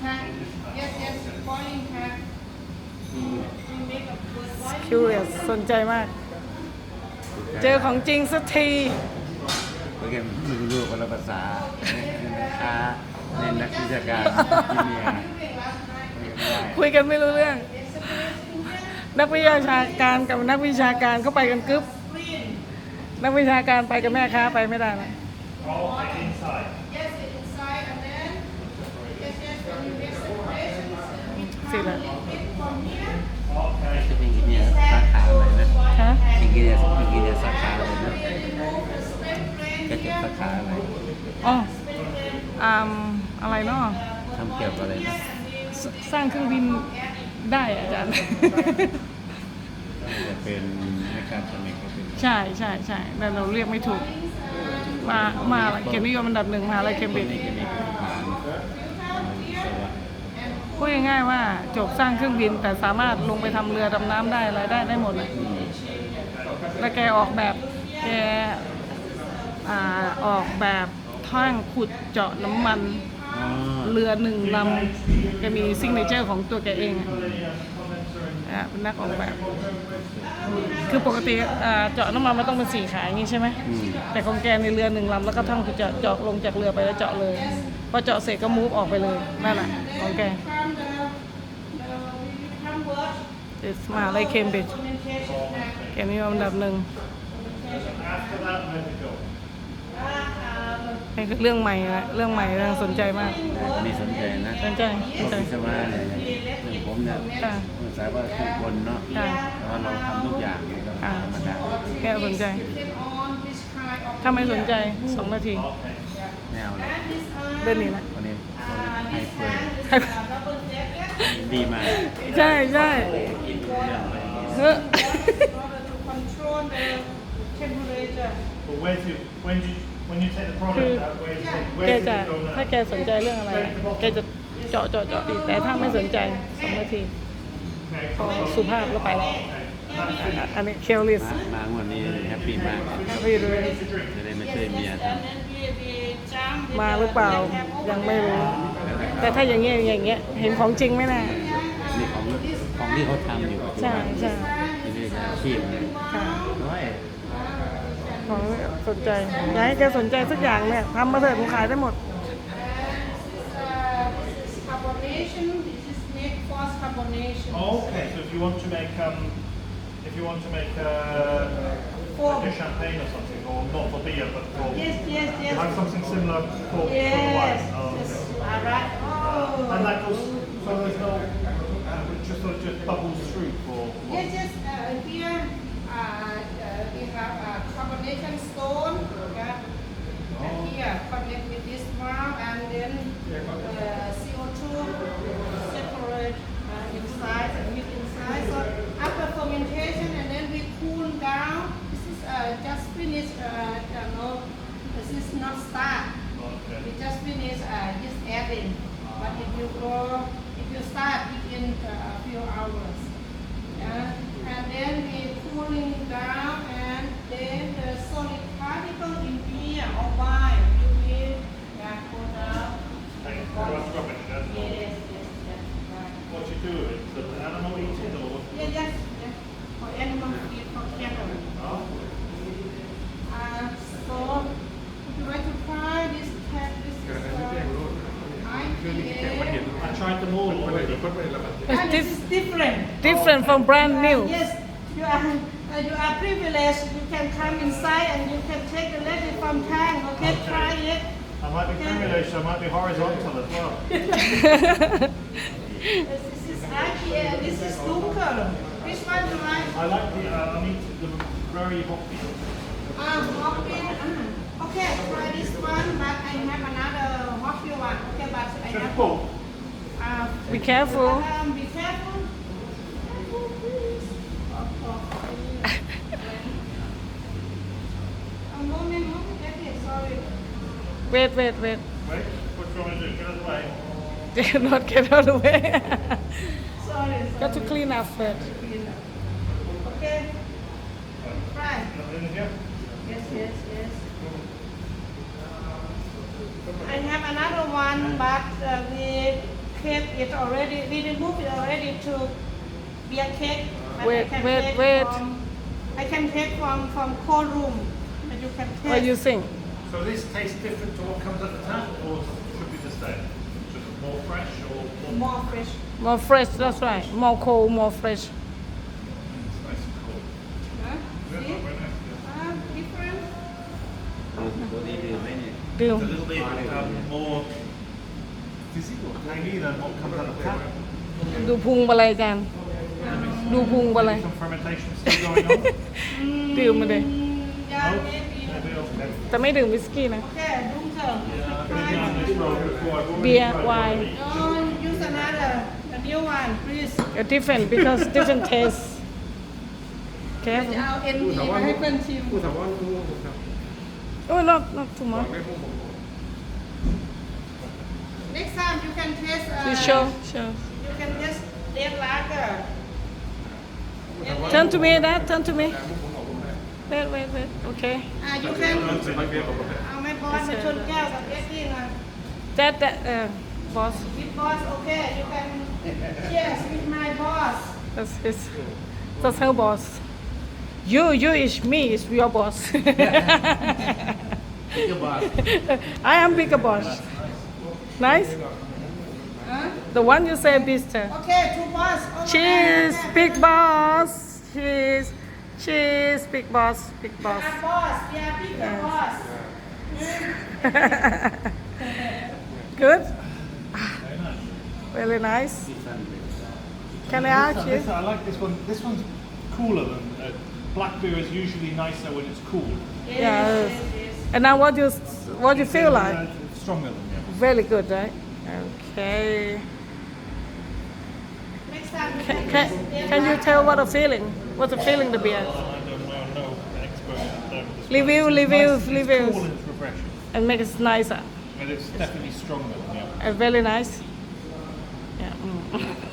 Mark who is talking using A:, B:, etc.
A: curious สนใจมาก เจอของจริงสักที
B: โปรแกรมไม่รู้คนละภาษาค้าเน้นนักวิชาการที่เมีย
A: คุยกันไม่รู้เรื่อง นักวิชาการกับนักวิชาการเขาไปกันกึ๊บนักวิชาการไปกับแม่ค้าไปไม่ได้นะสิละ
B: จะเป็นอินเดียสาขาอะไรนะ
A: ฮะ
B: อินเดียสาขาอะไรนะจะจบสาขาอะไร
A: อ๋ออะไรเนาะ
B: ทำเกี่ยวกับอะไรนะ
A: สร้างเครื่องบินได้อะอาจารย์
B: จะเป็นในการสนิทก็เป็น
A: ใช่ใช่ใช่แต่เราเรียกไม่ถูก มาเกียรตินิยมอันดับหนึ่งมหาอะไรเคมบริดจ์
B: นี่ก็มีฐานสวัสดิ์
A: พูดง่ายๆว่าจบสร้างเครื่องบินแต่สามารถลงไปทำเรือดำน้ำได้อะไรได้หมดเลยแล้วแกออกแบบแกออกแบบท่างขุดเจาะน้ำมัน
B: อ๋อ
A: เรือหนึ่งลำแกมีซิงเกิลเจอร์ของตัวแกเองเป็นนักออกแบบ คือปกติเจาะน้ำมันมันต้องเป็น4 ขาอย่างนี้ใช่ไหม แต่ของแกในเรือหนึ่งลำแล้วก็ท่องคือเจาะลงจากเรือไปแล้วเจาะเลยพอเจาะเสร็จก็มูฟออกไปเลยนั่นแหละของแกมหาลัยเคมบริดจ์แกนี่อันดับหนึ่งนี่คือเรื่องใหม่นะเรื่องใหม่เรื่องสนใจมาก
B: อันนี้สนใจนะ
A: สนใจ
B: วิศวะเนี่ยอย่างผมเนี่ยภาษาว่าทุกคนเนาะแต่ว่าเราทำทุกอย่างเนี่ยก็ธรรมดา
A: แกสนใจ ถ้าไม่สนใจ2 นาที
B: แนวเลย
A: เดินหนีนะ
B: คนนี้ให้เปิดดีมาก
A: ใช่ใช่
B: กินเรื่องอะไร
A: เฮ้อ
C: But when you take the
A: คือ
C: product out, where
A: แก
C: does
A: จะ
C: it go
A: ถ้า
C: now?
A: แกสนใจเรื่องอะไรอะแกจะเจาะดีแต่ถ้าไม่สนใจ2 นาทีพอสุภาพแล้วไปแล้วอันนี้เคลลิส
B: มางวันนี้แฮปปี้มาก
A: พี่ดู
B: จะได้มาช่วยเมียท
A: มาหรือเปล่ายังไม่รู้ แต่ถ้าอย่างเงี้ยเห็นของจริงไหมน่ะ
B: ำนี่ของที่เขาทำอยู่ปัจจุ
A: ใช่
B: บัน
A: ใช่
B: ที่นี่จะอาชีพเนี่ย
A: ค่ะ
B: น้อย
A: ของสนใจอยากให้แกสนใจสักอย่างเนี่ยทำมาเถอะผมขายได้หมด
D: Carbonation. This is neck force carbonation.
C: Okay, so if you want to make
D: Foam.
C: like a champagne or something, or not for beer, but for
D: Yes.
C: you have something similar for the
D: Yes.
C: wine. Oh,
D: Yes.
C: okay.
D: All right. Oh.
C: And that goes, so there's no, it just sort of just bubbles through for.
D: Yes. Here we have carbonation stone. Yeah. And here connect with this one, and then CO2 separate inside and with inside. So after fermentation, and then we cool down. This is just finished. This is not start.
C: Okay.
D: We just finish just adding. But if you start within a few hours. And then we cooling down, and then the solid particle in beer or wine you will go down.
C: Take it, rough rubbish, that's all.
D: Yes. Right.
C: What you do with it? Does the animal eat it or?
D: Yes. For animal feed, for cattle.
C: Oh.
D: So if you like to try this cat, this is IPA.
C: I tried them all already.
D: And this is different.
A: from brand new
D: Yes, you are privileged. You can come inside and you can take the lady from Tang. Okay, try it.
C: I might be privileged, I might be horizontal as well.
D: This is IPA. This is Dunkel. Which one do you like?
C: I like I need the very hoppy.
D: Hoppy. Okay, try this one, but I have another hoppy one. Okay, but I
C: Just
D: have.
C: pull.
A: be careful
D: Be careful. A moment. Okay, sorry.
A: wait
C: Wait, what do you want to do? Get out of the way.
A: not get out of the way
D: Sorry.
A: got to clean up first
D: Okay. Right.
C: Nothing in here?
D: Yes. I have another one, but we cake it already, we removed it already to beer cake. But
A: Wait,
D: I can
A: wait,
D: take
A: wait.
D: I can take from cold room. But you can
A: What
D: take.
A: you think?
C: So this tastes different to what comes at the tap, or should be the same? Just more fresh or more
D: More fresh.
A: More fresh, that's right. More cold, more fresh.
C: nice and cool?
D: Huh?
C: Yeah,
D: See?
C: very nice. Yeah.
D: Different.
B: ตัวนี้ดื่มไหมเนี่ย
A: ดื่ม
C: It's a little bit more physical, tangy than what comes out of the tap.
A: ดูพุงไปเลยอาจารย์ดูพุงไปเลย
C: Some fermentation still going on.
A: ดื่มมาเลย
D: Yeah, maybe.
C: Maybe okay.
A: แต่ไม่ดื่มวิสกี้นะ
D: Okay, Dunkel.
C: I've been down this road before. I've already
A: Beer,
C: tried it
A: wine.
C: already.
D: No, use another, a new one, please.
A: different because different taste
D: จะ
A: careful
D: เอา ND มาให้เพื่อนชิม
A: oh not too much
D: Next time you can taste.
A: please show
D: You can taste red lager.
A: turn to me that turn to me wait okay
D: You can. เอาไม่บอสมาชนแก้วกับเอสดี้หน่อย
A: that boss
D: With boss, okay. You can. Cheers with my boss.
A: that's her boss you is me is your boss
B: Bigger boss.
A: I am bigger boss nice
D: Huh?
A: the one you say Mister
D: Okay, two boss. Over
A: cheers
D: there.
A: big boss cheers big boss
D: We are boss. We are bigger boss.
A: good very nice can I ask you
C: I like this one. This one's cooler than black beer is usually nicer when it's cool.
A: yes and now what you feel like
C: It's stronger than the others.
A: very good right okay
D: Next time you
A: can,
D: can.
A: can you tell what the feeling what's the feeling the beer
C: I don't know, expert at this.
A: Review,
C: It's
A: review,
C: nice, it's
A: reviews.
C: cool and it's refreshing.
A: and make it nicer
C: And it's definitely stronger than the others.
A: and very nice yeah